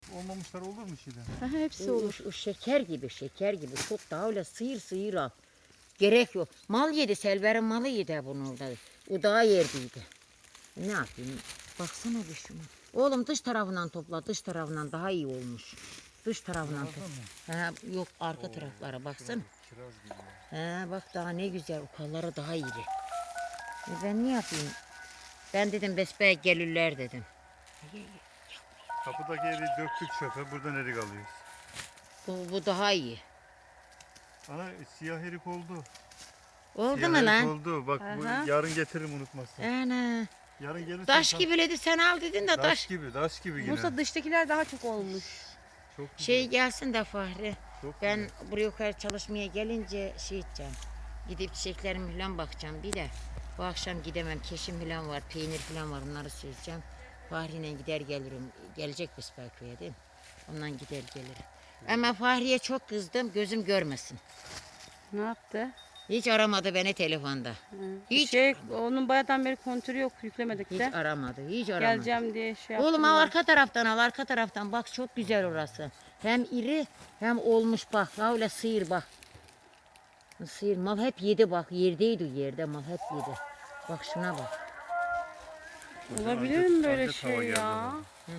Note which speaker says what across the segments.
Speaker 1: olmamışlar olur mu şimdi?
Speaker 2: Aha, hepsi olur.
Speaker 3: O şeker gibi, şeker gibi. Çok daha öyle sıyır al. Gerek yok. Mal yedi, Selver'in malı yedi bunu orada. O daha yerdiydi. Ne yapayım? Baksana bir şuna. Oğlum dış tarafından topla, dış tarafından daha iyi olmuş. Dış tarafından topla. Yok arka taraflara baksana.
Speaker 1: Kiraz gibi.
Speaker 3: Bak daha ne güzel, ukalları daha iri. Ben ne yapayım? Ben dedim besbeye gelirler dedim.
Speaker 1: Kapıdaki eri döktük çöpe. Buradan erik alıyoruz.
Speaker 3: Bu daha iyi.
Speaker 1: Ana siyah erik oldu.
Speaker 3: Oldu
Speaker 1: Siyah
Speaker 3: mu
Speaker 1: erik
Speaker 3: lan?
Speaker 1: oldu. Bak bu
Speaker 2: Aha.
Speaker 1: yarın getiririm unutmazsan.
Speaker 3: Ana.
Speaker 1: Yarın gelirsen
Speaker 3: Taş gibiledi sen al dedin de taş.
Speaker 1: Taş gibi yine.
Speaker 2: Musa dıştakiler daha çok olmuş.
Speaker 1: Çok güzel.
Speaker 3: Şey gelsin de Fahri.
Speaker 1: Çok
Speaker 3: Ben
Speaker 1: güzel.
Speaker 3: buraya yukarı çalışmaya gelince şey edeceğim. Gidip çiçeklerime falan bakacağım. Bir de bu akşam gidemem. Keşim falan var, peynir falan var. Onları söyleyeceğim. Fahri'yle gider gelirim. Gelecek Besbelköy'e değil mi? Ondan gider gelirim. Ama Fahri'ye çok kızdım. Gözüm görmesin.
Speaker 2: Ne yaptı?
Speaker 3: Hiç aramadı beni telefonda. Hiç,
Speaker 2: Onun bayağıdan beri kontürü yok, yüklemedik
Speaker 3: hiç
Speaker 2: de.
Speaker 3: aramadı. Hiç aramadı.
Speaker 2: Geleceğim diye şey yaptım.
Speaker 3: Oğlum al arka taraftan al, arka taraftan. Bak çok güzel orası. Hem iri hem olmuş bak. Öyle sıyır bak. Sıyır mal hep yedi bak. Yerdeydi yerde mal hep yedi. Bak şuna bak.
Speaker 2: Olabilir mi böyle
Speaker 1: Adet hava
Speaker 2: şey
Speaker 1: geldi
Speaker 2: ya?
Speaker 1: ona.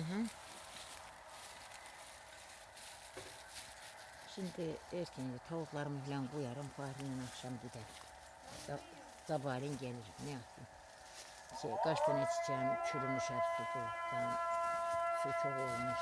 Speaker 3: Şimdi erken tavuklarımı falan koyarım. Fahri'yle akşam gider. Sabahleyin gelirim. Ne yapayım? Kaç tane çiçeğim çürümüş hep sudan. Su çok olmuş.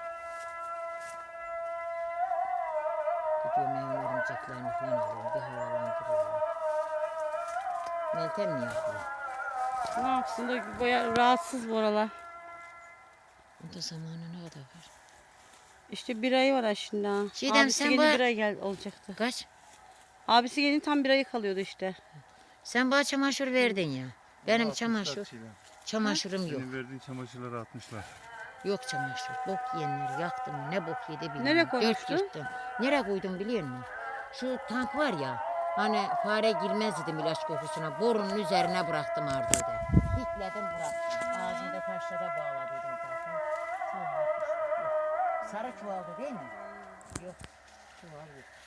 Speaker 3: Gidiyorum evin örümceklerini falan alıyorum. Bir havalandırıyorum. Meltem ne yapıyor?
Speaker 2: Ne yapsın da bayağı rahatsız bu aralar.
Speaker 3: Bunda zamanı ne kadar var?
Speaker 2: İşte bir ayı var aslında.
Speaker 3: Çiğdem,
Speaker 2: Abisi
Speaker 3: sen
Speaker 2: gelince
Speaker 3: bu-
Speaker 2: bir ay olacaktı.
Speaker 3: Kaç?
Speaker 2: Abisi gelince tam bir ayı kalıyordu işte.
Speaker 3: Sen bana çamaşır verdin ya. Benim
Speaker 1: Atmışlar
Speaker 3: çamaşır,
Speaker 1: çiğdem.
Speaker 3: çamaşırım yok.
Speaker 1: Senin verdiğin çamaşırları atmışlar.
Speaker 3: Yok çamaşır. Bok yiyenler yaktım. Ne bok yedi bilmiyorum.
Speaker 2: Nereye
Speaker 3: Dört
Speaker 2: koymuştun?
Speaker 3: yırttım. Nereye koydum biliyor musun? Şu tank var ya. Hani fare girmez dedim ilaç kokusuna. Borunun üzerine bıraktım ardıydı. Dikledim bıraktım. Ağzında taşlara bağladıydım zaten. Çuval atmış. Yok. Sarı çuvaldı değil mi? Yok. Çuval yok.